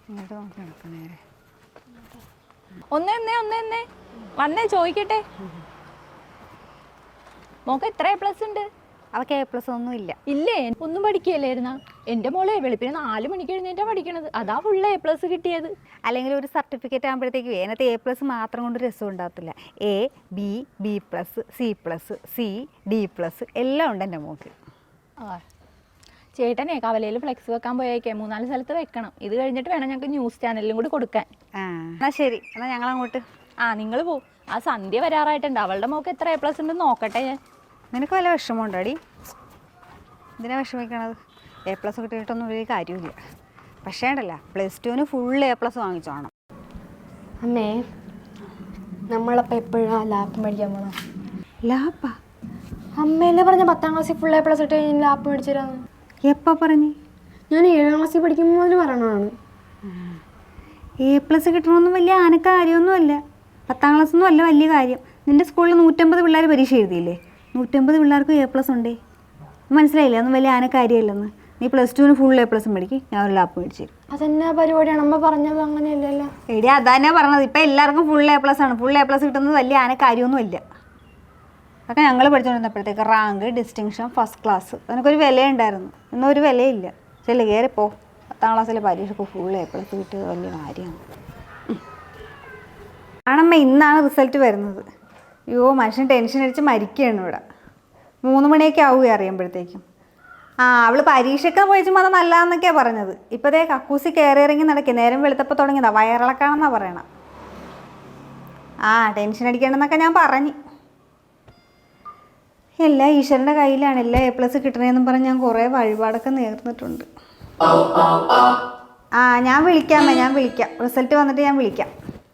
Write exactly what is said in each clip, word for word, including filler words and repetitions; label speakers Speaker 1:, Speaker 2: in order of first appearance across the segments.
Speaker 1: ഇങ്ങോട്ട് നോക്കി നടക്കും നേരെ.
Speaker 2: ഒന്നേ ഒന്നേ ഒന്നേ ഒന്നേ വന്നേ ചോദിക്കട്ടെ, മോക്ക് എത്ര എ പ്ലസ് ഉണ്ട്?
Speaker 1: അവൾക്ക് എ പ്ലസ് ഒന്നും ഇല്ല.
Speaker 2: ഇല്ലേ? ഒന്നും പഠിക്കുകയല്ലായിരുന്ന? എൻ്റെ മോളെ വെളുപ്പിന് നാല് മണിക്ക് എഴുന്നേറ്റാ പഠിക്കണത്, അതാ ഫുള്ള് എ പ്ലസ് കിട്ടിയത്.
Speaker 1: അല്ലെങ്കിൽ ഒരു സർട്ടിഫിക്കറ്റ് ആകുമ്പോഴത്തേക്കും അതിനകത്ത് എ പ്ലസ് മാത്രം കൊണ്ട് രസം ഉണ്ടാകത്തില്ല. A B B plus C plus C D plus എല്ലാം ഉണ്ട് എൻ്റെ മോക്ക്.
Speaker 2: ആ ചേട്ടനെ കവലയിൽ ഫ്ലെക്സ് വെക്കാൻ പോയേക്കേ, മൂന്നാല് സ്ഥലത്ത് വെക്കണം. ഇത് കഴിഞ്ഞിട്ട് വേണം ഞങ്ങൾക്ക് ന്യൂസ് ചാനലിലും കൂടി കൊടുക്കാൻ.
Speaker 1: ആ എന്നാൽ ശരി, എന്നാൽ ഞങ്ങൾ അങ്ങോട്ട്.
Speaker 2: ആ നിങ്ങൾ പോ. ആ സന്ധ്യ വരാറായിട്ടുണ്ട്, അവളുടെ മോക്ക് എത്ര എ പ്ലസ് ഉണ്ടെന്ന് നോക്കട്ടെ ഞാൻ.
Speaker 1: നിനക്ക് വല്ല വിഷമമുണ്ടോ അടി? ഇതിനെ വിഷമിക്കണത്? എ പ്ലസ് കിട്ടിയിട്ടൊന്നും വലിയ കാര്യമില്ല. പക്ഷേ ഉണ്ടല്ല, പ്ലസ് ടുവിന് ഫുൾ എ പ്ലസ് വാങ്ങിച്ചോണം.
Speaker 3: അമ്മേ, നമ്മളപ്പോൾ എപ്പോഴാണ് ലാപ്പ് മേടിക്കാൻ പോകണം?
Speaker 1: ലാപ്പാ?
Speaker 3: അമ്മയല്ലേ പറഞ്ഞ പത്താം ക്ലാസ്സിൽ ഫുൾ എ പ്ലസ് ഇട്ട് കഴിഞ്ഞാൽ ലാപ്പ് മേടിച്ചു തരാമെന്ന്.
Speaker 1: എപ്പോൾ പറഞ്ഞു?
Speaker 3: ഞാൻ ഏഴാം ക്ലാസ്സിൽ പഠിക്കുമ്പോൾ മുതൽ പറയണതാണ്.
Speaker 1: എ പ്ലസ് കിട്ടണമെന്നും വലിയ ആന കാര്യമൊന്നുമല്ല. പത്താം ക്ലാസ്സൊന്നും അല്ല വലിയ കാര്യം. നിൻ്റെ സ്കൂളിൽ നൂറ്റമ്പത് പിള്ളേർ പരീക്ഷ എഴുതിയില്ലേ? നൂറ്റമ്പത് പിള്ളേർക്ക് എ പ്ലസ് ഉണ്ടേ. മനസ്സിലായില്ലേ? അതൊന്നും വലിയ ആന കാര്യമല്ലെന്ന്. നീ പ്ലസ് ടുവിന് ഫുൾ എ പ്ലസ് മേടിക്കും, ഞാൻ ഒരു ലാപ്പ് മേടിച്ചു തരും.
Speaker 3: അതെന്നാ പരിപാടിയാണ് അമ്മ പറഞ്ഞത്? അങ്ങനെയല്ലല്ലോ
Speaker 1: എടി, അതന്നെ പറഞ്ഞത്. ഇപ്പം എല്ലാവർക്കും ഫുൾ എ പ്ലസ് ആണ്. ഫുൾ എ പ്ലസ് കിട്ടുന്നത് വലിയ ആന കാര്യമൊന്നുമില്ല. അതൊക്കെ ഞങ്ങൾ പഠിച്ചുകൊണ്ടിരുന്നപ്പോഴത്തേക്ക് റാങ്ക്, ഡിസ്റ്റിങ്ഷൻ, ഫസ്റ്റ് ക്ലാസ്, അതിനൊക്കെ ഒരു വിലയുണ്ടായിരുന്നു. ഇന്നും ഒരു വിലയില്ല. ചെല്ലു കയറിപ്പോ. പത്താം ക്ലാസ്സിലെ പരീക്ഷയ്ക്ക് ഫുൾ എ പ്ലസ് കിട്ടിയത് വലിയ കാര്യമാണ്. ആണമ്മ, ഇന്നാണ് റിസൾട്ട് വരുന്നത്. അയ്യോ, മനുഷ്യൻ ടെൻഷൻ അടിച്ച് മരിക്കുകയാണ് ഇവിടെ. മൂന്ന് മണിയൊക്കെ ആവുക അറിയുമ്പോഴത്തേക്കും. ആ അവൾ പരീക്ഷയ്ക്ക് പോയിച്ചുമ്പോൾ അത് നല്ലതെന്നൊക്കെയാണ് പറഞ്ഞത്. ഇപ്പോഴത്തെ കക്കൂസി കയറി ഇറങ്ങി നടക്കുക. നേരം വെളുത്തപ്പോൾ തുടങ്ങിയതാ, വയറിളക്കാണെന്നാണ് പറയണം. ആ ടെൻഷൻ അടിക്കണമെന്നൊക്കെ ഞാൻ പറഞ്ഞു. എല്ലാ ഈശ്വരൻ്റെ കയ്യിലാണ്. എല്ലാ എ പ്ലസ് കിട്ടണേന്നും പറഞ്ഞ് ഞാൻ കുറേ വഴിപാടൊക്കെ നേർന്നിട്ടുണ്ട്. ആ ഞാൻ വിളിക്കാമേ, ഞാൻ വിളിക്കാം. റിസൾട്ട് വന്നിട്ട് ഞാൻ വിളിക്കാം.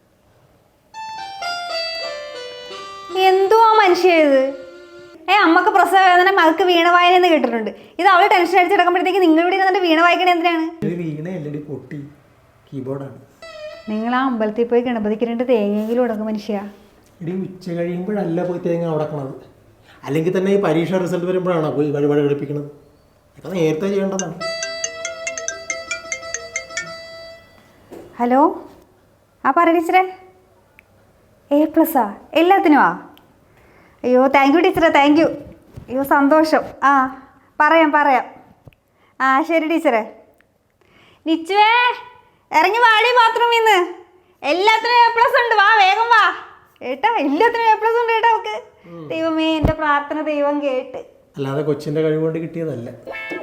Speaker 1: എന്തുവാ മനുഷ്യ ഇത്? ഏ അമ്മക്ക് പ്രസവ വേദന, മകൾക്ക് വീണ വായന എന്ന് കേട്ടിട്ടുണ്ട്. ഇത് അവൾ ടെൻഷൻ അടിച്ചെടുക്കുമ്പോഴത്തേക്ക് നിങ്ങൾ ഇവിടെ ഇരുന്നിട്ട് വീണ വായിക്കണേ എന്തിനാണ്? നിങ്ങൾ ആ അമ്പലത്തിൽ പോയി ഗണപതിക്ക് രണ്ട് തേങ്ങയെങ്കിലും ഉടക്കും മനുഷ്യ.
Speaker 4: ഇടി ഉച്ച കഴിയുമ്പോഴല്ല പോയി തേങ്ങ ഉടക്കണത്. അല്ലെങ്കിൽ തന്നെ ഈ പരീക്ഷ റിസൾട്ട് വരുമ്പോഴാണോ പോയി വഴിപാട് ഘടിപ്പിക്കുന്നത്? അതൊക്കെ നേരത്തെ ചെയ്യേണ്ടതാണ്.
Speaker 1: ഹലോ, ആ പറ ടീച്ചറെ. എ പ്ലസ്സാ എല്ലാത്തിനും? ആ അയ്യോ താങ്ക് യു ടീച്ചറെ, താങ്ക് യു. അയ്യോ സന്തോഷം. ആ പറയാം പറയാം. ആ ശരി ടീച്ചറെ. നിച്ചുവേ, ഇറങ്ങി വാടി ബാത്റൂമിൽ നിന്ന്. എല്ലാത്തിനും എ പ്ലസ് ഉണ്ട്, വാ വേഗം വാ. ഏട്ടാ എല്ലാത്തിനും എ പ്ലസ് ഉണ്ട് ഏട്ടാ. അവൾക്ക് ദൈവമേ, എൻ്റെ പ്രാർത്ഥന ദൈവം കേട്ട്.
Speaker 4: അല്ലാതെ കൊച്ചിൻ്റെ കഴിവ് കൊണ്ട് കിട്ടിയതല്ല.